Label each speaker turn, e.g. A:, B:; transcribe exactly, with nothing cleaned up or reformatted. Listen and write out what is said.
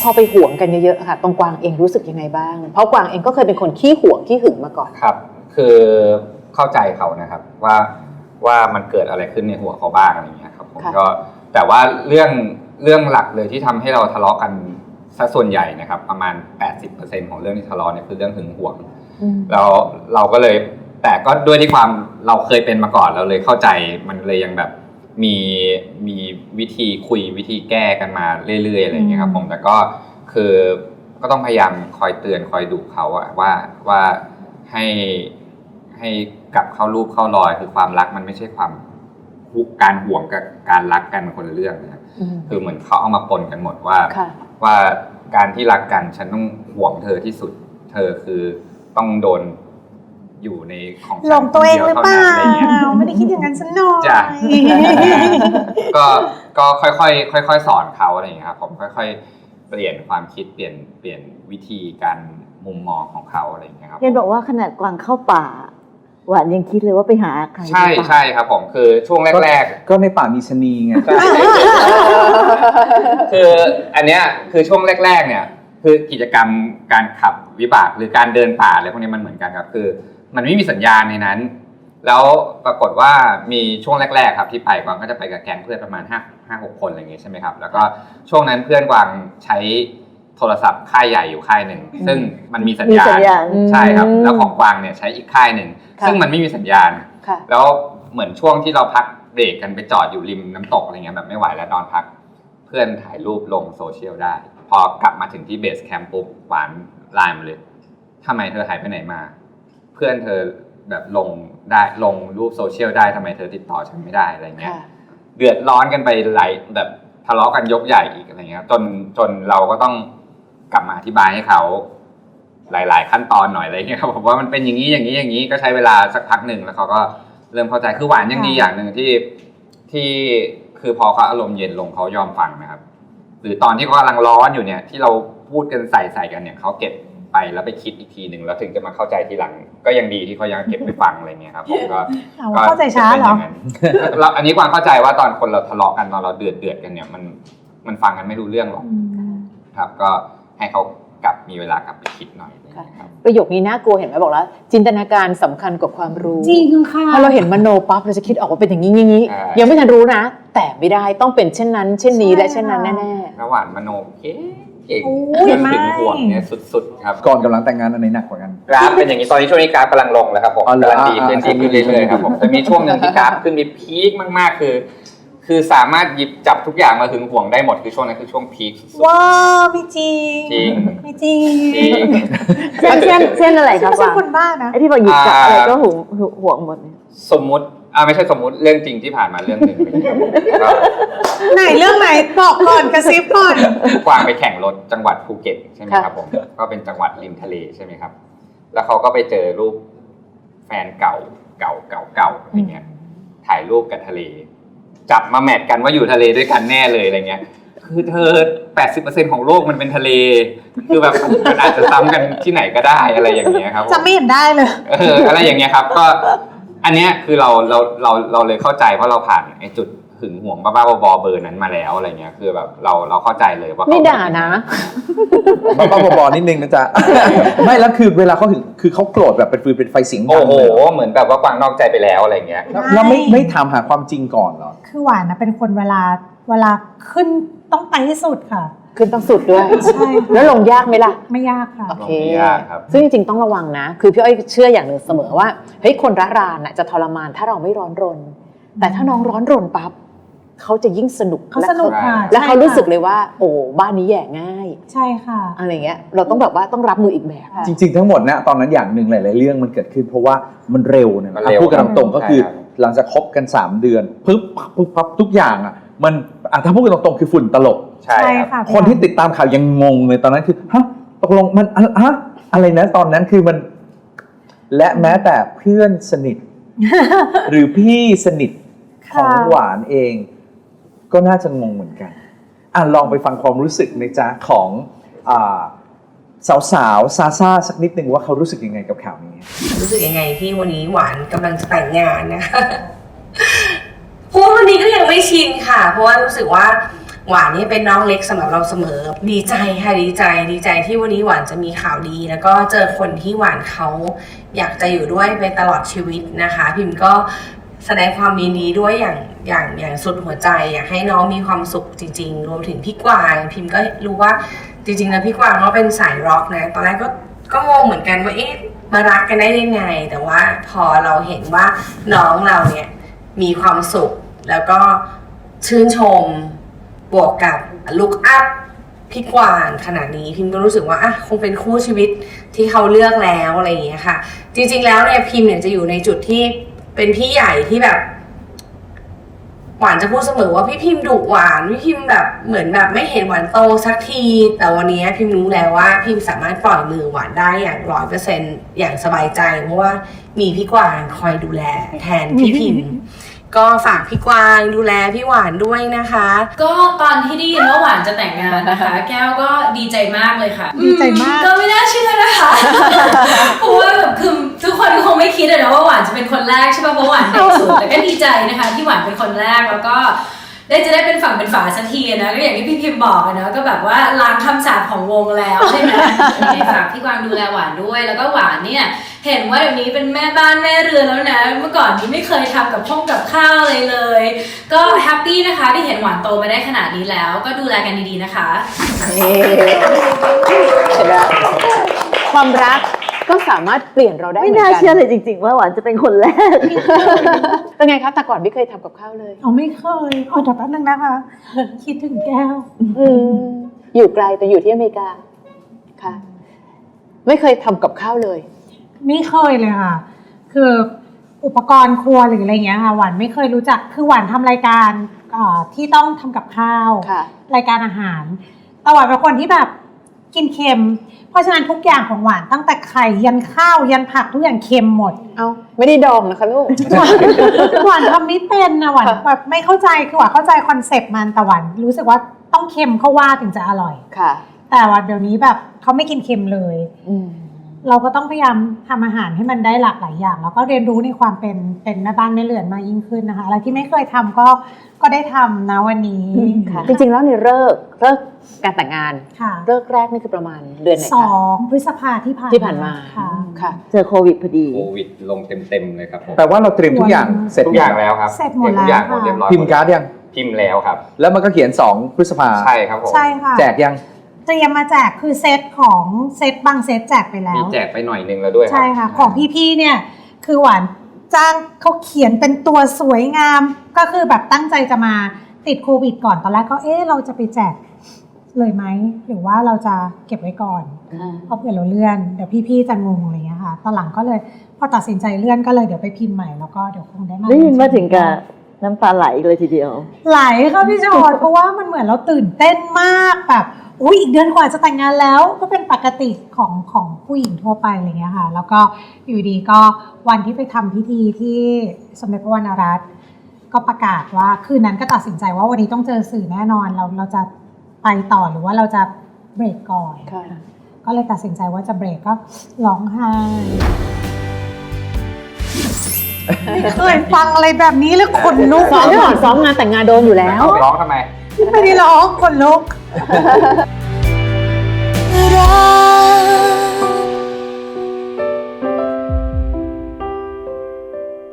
A: พอไปหวงกันเยอะๆค่ะตรงกวางเองรู้สึกยังไงบ้างเพราะกวางเองก็เคยเป็นคนขี้หวงขี้หึงมาก่อน
B: ครับคือเข้าใจเขานะครับว่าว่ามันเกิดอะไรขึ้นในหัวเขาบ้างอะไรอย่างเงี้ยครับผมก็แต่ว่าเรื่องเรื่องหลักเลยที่ทำให้เราทะเลาะกันซะส่วนใหญ่นะครับประมาณ แปดสิบเปอร์เซ็นต์ ของเรื่องที่ทะเลาะเนี่ยคือเรื่องหึงหวงแล้วเราก็เลยแต่ก็ด้วยที่ความเราเคยเป็นมาก่อนเราเลยเข้าใจมันเลยยังแบบมีมีวิธีคุยวิธีแก้กันมาเรื่อยๆอะไรอย่างเงี้ยครับผมแต่ก็คือก็ต้องพยายามคอยเตือนคอยดุเขาอะว่าว่าให้ให้กลับเข้ารูปเข้ารอยคือความรักมันไม่ใช่ความการห่วงกับการรักกันมันคนละเรื่องนะครับคือเหมือนเขาเอามาปนกันหมดว่าว่าการที่รักกันฉันต้องห่วงเธอที่สุดเธอคือต้องโดนอยู่ในของฉัน
C: หลงตัวเองหรือเปล่าไม่ได้คิดอย่างนั้นสักหน่อย
B: จ้ะก็ก็ค่อยๆค่อยๆสอนเขาอะไรอย่างเงี้ยครับผมค่อยๆเปลี่ยนความคิดเปลี่ยนเปลี่ยนวิธีการมุมมองของเขาอะไรอย่างเงี้ยครับ
D: เห็นบอกว่าขนาดกวางเข้าป่าหวานยังคิดเลยว่าไปหาใคร
B: ใช่ใช่ครับผมคือช่วงแรก
E: ๆก็ในป่ามีชะนีไง
B: คืออันเนี้ยคือช่วงแรกๆเนี่ยคือกิจกรรมการขับวิบากหรือการเดินป่าอะไรพวกนี้มันเหมือนกันครับคือมันไม่มีสัญญาณในนั้นแล้วปรากฏว่ามีช่วงแรกๆครับที่ไปกวางก็จะไปกับแก๊งเพื่อนประมาณห้า ห้า หกคนอะไรอย่างงี้ใช่ไหมครับแล้วก็ช่วงนั้นเพื่อนกวางใช้โทรศัพท์ค่ายใหญ่อยู่ค่ายหนึ่งซึ่งมันมีสัญญาณใช่ครับแล้วของกวางเนี่ยใช้อีกค่ายหนึ่งซึ่งมันไม่มีสัญญาณแล้วเหมือนช่วงที่เราพักเบรกกันไปจอดอยู่ริมน้ำตกอะไรเงี้ยแบบไม่ไหวแล้วนอนพักเพื่อนถ่ายรูปลงโซเชียลได้พอกลับมาถึงที่เบสแคมป์ปุ๊บหวานไลน์มาเลยทำไมเธอหายไปไหนมาเพื่อนเธอแบบลงได้ลงรูปโซเชียลได้ทำไมเธอติดต่อฉันไม่ได้อะไรเงี้ยเดือดร้อนกันไปหลายแบบทะเลาะกันยกใหญ่อีกอะไรเงี้ยจนจนเราก็ต้องกลับมาอธิบายให้เขาหลายๆขั้นตอนหน่อยอะไรเงี้ยครับผมว่ามันเป็นอย่างนี้อย่างนี้อย่างนี้ก็ใช้เวลาสักพักหนึ่งแล้วเขาก็เริ่มเข้าใจคือหวานยังดีอย่างหนึ่งที่ที่คือพอเขาอารมณ์เย็นลงเขายอมฟังนะครับหรือตอนที่เขากำลังร้อนอยู่เนี่ยที่เราพูดกันใส่ใส่กันเนี่ยเขาเก็บไปแล้วไปคิดอีกทีหนึ่งแล้วถึงจะมาเข้าใจทีหลังก็ยังดีที่เขายังเก็บไปฟังอะไรเงี้ยครับผมก็
C: เข้าใจช้าเหรอ
B: เราอันนี้ความเข้าใจว่าตอนคนเราทะเลาะกันตอนเราเดือดเดือดกันเนี่ยมันมันฟังกันไม่รู้เรื่องหรอกครับก็ให้เขากลับมีเวลากลับไปคิดหน่อยครับ
A: ประโยคนี้น่ากลัวเห็นไหมบอกแล้วจินตนาการสำคัญกว่าความรู้
C: จริงค่ะ
A: พอเราเห็นมโนปั๊บเราจะคิดออกว่าเป็นอย่างนี้อย่างนี้ยังไม่ทันรู้นะแต่ไม่ได้ต้องเป็นเช่นนั้นเช่นนี้และเช่นนั้นแน่
B: ๆระหว่างมโนเก่งเก่งเรื่องถึงห่วงเนี่ยสุดๆครับ
E: ก่อนกำลังแต่งงานอันไหนหนักกว่ากัน
B: กราฟเป็นอย่างนี้ตอนนี้ช่วงนี้กราฟกำลังลงแล้วครับผมกำลังดีขึ้นดีขึ้นเรื่อยๆครับผมจะมีช่วงหนึ่งที่กราฟขึ้นมีพีคมากๆคือคือสามารถหยิบจับทุกอย่างมาถึงห่วงได้หมดคือช่วงนั้นคือช่วงพีคสุด
C: ๆว้าวไม่จริง
B: จริง
C: ไม่จริง
D: เช่นเช่นเช่นอะไรครับว่า
C: คนบ้านะ
D: ไอ้ที่บอกหยิบจับอะไรก็ห่วงห่วงหมด
B: สมมุติอ่าไม่ใช่สมมุติเรื่องจริงที่ผ่านมาเรื่องหนึ่ง
C: ไหนเรื่องไหนบอกก่อนกระซิบก่อน
B: กวางไปแข่งรถจังหวัดภูเก็ตใช่ไหมครับผมก็เป็นจังหวัดริมทะเลใช่ไหมครับแล้วเขาก็ไปเจอรูปแฟนเก่าเก่าเก่าเก่าอะไรเงี้ยถ่ายรูปกับทะเลจับมาแมทกันว่าอยู่ทะเลด้วยกันแน่เลยอะไรเงี้ยคือเธอ แปดสิบเปอร์เซ็นต์ ของโลกมันเป็นทะเลคือแบบมันอาจจะซ้ำกันที่ไหนก็ได้อะไรอย่างเงี้ยครับ
C: จะไม่เห็นได้เลย
B: เอออะไรอย่างเงี้ยครับก็อันเนี้ยคือเราเราเราเราเลยเข้าใจเพราะเราผ่านไอ้จุดหึงหวงบ้าๆบอๆเบอร์นั้นมาแล้วอะไรเงี้ยคือแบบเราเราเข้าใจเลยว่า
A: ไม่ด่านะ
E: บ้าๆบอๆนิดนึงนะจ๊ะไม่แล้วคือเวลาเขาถึงคือเขาโกรธแบบเป็นฟืนเป็นไฟสิง
B: โอ้โหเหมือนแบบว่ากวางนอกใจไปแล้วอะไรเงี้ย
E: แล้วไม่ไม่ถามหาความจริงก่อนเหรอ
C: คือหวานนะเป็นคนเวลาเวลาขึ้นต้องไปที่สุดค่ะ
A: ขึ้นต้องสุดด้วย
C: ใช่
A: แล้วลงยากไหมล่ะ
C: ไม่ยากค่ะ
B: โอเค
A: ซึ่งจริงๆต้องระวังนะคือพี่อ้อยเชื่ออย่างหนึ่งเสมอว่าเฮ้ยคนระรานจะทรมานถ้าเราไม่ร้อนรนแต่ถ้าน้องร้อนรนปั๊บเขาจะยิ่งสนุก
C: เขาสนุกค่ะ
A: แล้วเขารู้สึกเลยว่าโอ้บ้านนี้แย่ง่าย
C: ใช่ค่ะ
A: อะไรเงี้ยเราต้องแบบว่าต้องรับมืออีกแบบ
E: จริงๆทั้งหมดนะตอนนั้นอย่างหนึ่งหลายๆเรื่องมันเกิดขึ้นเพราะว่ามันเร็วนะพูดกันตรงๆก็คือหลังจากคบกันสามเดือนปึ๊บปึ๊บปั๊บทุกอย่างอ่ะมันอ่ะถ้าพูดกันตรงๆคือฝุ่นตลบ
B: ใช่
C: ค่ะ
E: คนที่ติดตามข่าวยังงงเลยตอนนั้นคือฮะตกลงมันฮะอะไรนะตอนนั้นคือมันและแม้แต่เพื่อนสนิทหรือพี่สนิทของหวานเองก็น่าจะงงเหมือนกันอ่ะลองไปฟังความรู้สึกในจ้าของอ่าสาวๆซาซ่าสักนิดนึงว่าเขารู้สึกยังไงกับข่าวนี้
F: รู้สึกยังไงที่วันนี้หวานกำลังจะแต่งงานนะคะพูดวันนี้ก็ยังไม่ชินค่ะเพราะว่ารู้สึกว่าหวานนี่เป็นน้องเล็กสำหรับเราเสมอดีใจค่ะดีใจดีใจที่วันนี้หวานจะมีข่าวดี แล้วก็เจอคนที่หวานเขาอยากจะอยู่ด้วยไปตลอดชีวิตนะคะ พิมก็แสดงความยินดีด้วยอย่างอย่างอย่างสุดหัวใจอยากให้น้องมีความสุขจริงๆรวมถึงพี่กวางพิมก็รู้ว่าจริงๆแล้วพี่กวางเขาเป็นสายร็อกนะตอนแรกก็ก็งงเหมือนกันว่าเอ๊ะมารักกันได้ยังไงแต่ว่าพอเราเห็นว่าน้องเราเนี่ยมีความสุขแล้วก็ชื่นชมบวกกับลุคอัพพี่กวางขนาดนี้พิมก็รู้สึกว่าอ่ะคงเป็นคู่ชีวิตที่เขาเลือกแล้วอะไรอย่างเงี้ยค่ะจริงๆแล้วเนี่ยพิมเนี่ยจะอยู่ในจุดที่เป็นพี่ใหญ่ที่แบบหวานจะพูดเสมอว่าพี่พิมดุหวานพี่พิมแบบเหมือนแบบไม่เห็นหวานโตสักทีแต่วันนี้พิมรู้แล้วว่าพิมสามารถปล่อยมือหวานได้อย่างร้อยเปอร์เซ็นต์อย่างสบายใจเพราะว่ามีพี่กวางคอยดูแลแทนพี่พิมก็ฝากพี่กวางดูแลพี่หวานด้วยนะคะ
G: ก็ตอนที่ได้ยินว่าหวานจะแต่งงานนะคะ แก้วก็ดีใจมากเลยค่ะ
C: ดีใจมาก
G: ก็ไม่น่าเชื่อนะคะ เพราะว่าแบบคือทุกคนคงไม่คิดอะนะว่าหวานจะเป็นคนแรกใช่ป่ะเพราะหวานเด็กสุดแต่ก็ดีใจนะคะที่หวานเป็นคนแรกแล้วก็ได้จะได้เป็นฝั่งเป็นฝาสักทีนะก็อย่างที่พี่พิมบอกอะนะก็แบบว่าล้างคำสาปของวงแล้วใช่ไหมฝากพี่กวางดูแลหวานด้วยแล้วก็หวานเนี่ยเห็นว่าเดี๋ยวนี้เป็นแม่บ้านแม่เรือนแล้วนะเมื่อก่อนนี้ไม่เคยทำกับห้องกับข้าวเลยเลยก็แฮปปี้นะคะที่เห็นหวานโตมาได้ขนาดนี้แล้วก็ดูแลกันดีๆนะคะ
A: เห็นไหมความรักก็สามารถเปลี่ยนเราได้เหมื
D: ไม่
A: อน
D: น่า
A: กัน
D: เชื่อเลยจริง ๆ ว่าหวานจะเป็นคนแรก
A: เป็นไงคะแต่ก่อนไม่เคยทำกับข้าวเลย
C: เอาไม่เคยเอาแต่แป๊บนึงนะคะ คิดถึงแก้ว
A: อืมอยู่ไกลแต่อยู่ที่อเมริกาค่ะ ไม่เคยทำกับข้าวเลย
C: ไม่เคยเลยค่ะ คืออุปกรณ์ครัวหรืออะไรเงี้ยค่ะหวานไม่เคยรู้จักคือหวานทำรายการเอ่อที่ต้องทำกับข้าว
A: ค่ะ
C: รายการอาหารแต่หวานเป็นคนที่แบบกินเค็ม เพราะฉะนั้นทุกอย่างของหวานตั้งแต่ไข่ยันข้าวยันผักทุกอย่างเค็มหมด
A: เอาไม่ได้ดองนะคะลูก
C: หวานหวานทำไม่เป็นนะหวานแบบไม่เข้าใจคือหวานเข้าใจคอนเซปต์มันแต่หวานรู้สึกว่าต้องเค็มเข้าว่าถึงจะอร่อย
A: ค่ะ
C: แต่ว่าเดี๋ยวนี้แบบเขาไม่กินเค็มเลย
A: อืม
C: เราก็ต้องพยายามทำอาหารให้มันได้หลากหลายอย่าง แล้วก็เรียนรู้ในความเป็นเป็นแม่บ้านแม่เรือนมากยิ่งขึ้นนะคะอะไรที่ไม่เคยทำก็ก็ได้ทำนะวันนี้
A: ค่ะ จริงๆแล้วในเลิกเลิกการแต่งงาน
C: ค่ะ
A: เลิกแรกนี่คือประมาณเดือนไหน
C: สอ
A: คะ
C: งพฤษภาที่ผ่าน
A: ที่ผ่านมา
C: ค่ะ
A: ค่ะ
D: เจอโควิดพอดี
B: โควิดลงเต็มๆเลยครับผม
E: แปลว่าเราเตรียมทุกอย่างเสร็จ
B: ทุกอย่างแล้วครับ
C: เสร็จหมด
B: ทุกอย่างหมด
C: แล้วค่ะ
B: เรียบร้อย
E: พิมพ์การ์ดยัง
B: พิมพ์แล้วครับ
E: แล้วมันก็เขียนสองพฤษภา
B: ใช่ครับผม
C: ใช่ค่ะ
E: แจกยัง
C: เตรียมมาแจกคือเซตของเซตบางเซตแจกไปแล้
B: มี
C: ว
B: แจกไปหน่อยนึงแล้วด้วยรับ
C: ใช่ค่ะ ของพี่ๆเนี่ยคือหวานจ้างเขาเขียนเป็นตัวสวยงาม ก็คือแบบตั้งใจจะมาติดโควิดก่อนตอนแรกก็เอ๊ะเราจะไปแจกเลยไหมหรือว่าเราจะเก็บไว้ก่อนเพราะเผื่อเราเลื่อนเดี๋ยวพี่ๆจะงงอะไรอย่างเงี้ยค่ะตอนหลังก็เลยพอตัดสินใจเลื่อนก็เลยเดี๋ยวไปพิมพ์ใหม่แล้วก็เดี๋ยวคงได้มา
D: ได้ยินว่าถึงกับน้ำตาไหลเลยทีเดียว
C: ไหลค่ะพี่จอด เพราะว่ามันเหมือนเราตื่นเต้นมากแบบอุ้ยอีกเดือนกว่าจะแต่งงานแล้วก็เป็นปกติของของผู้หญิงทั่วไปอะไรเงี้ยค่ะแล้วก็อยู่ดีก็วันที่ไปทำพิธีที่สมเด็จพระวรรณรัตน์ก็ประกาศว่าคืนนั้นก็ตัดสินใจว่าวันนี้ต้องเจอสื่อแน่นอนเราเราจะไปต่อหรือว่าเราจะเบรกก่อน
A: ค่ะ
C: ก็เลยตัดสินใจว่าจะเบรกก็ร้องไห้ไม่เคยฟังอะไรแบบนี้เลยขนลุก
A: ซ้อมก่อนซ้อมงานแต่งงานโดนอยู่แล้ว
B: ร้องทำไม
C: ไม่ได้ร้องขนลุก
H: รัก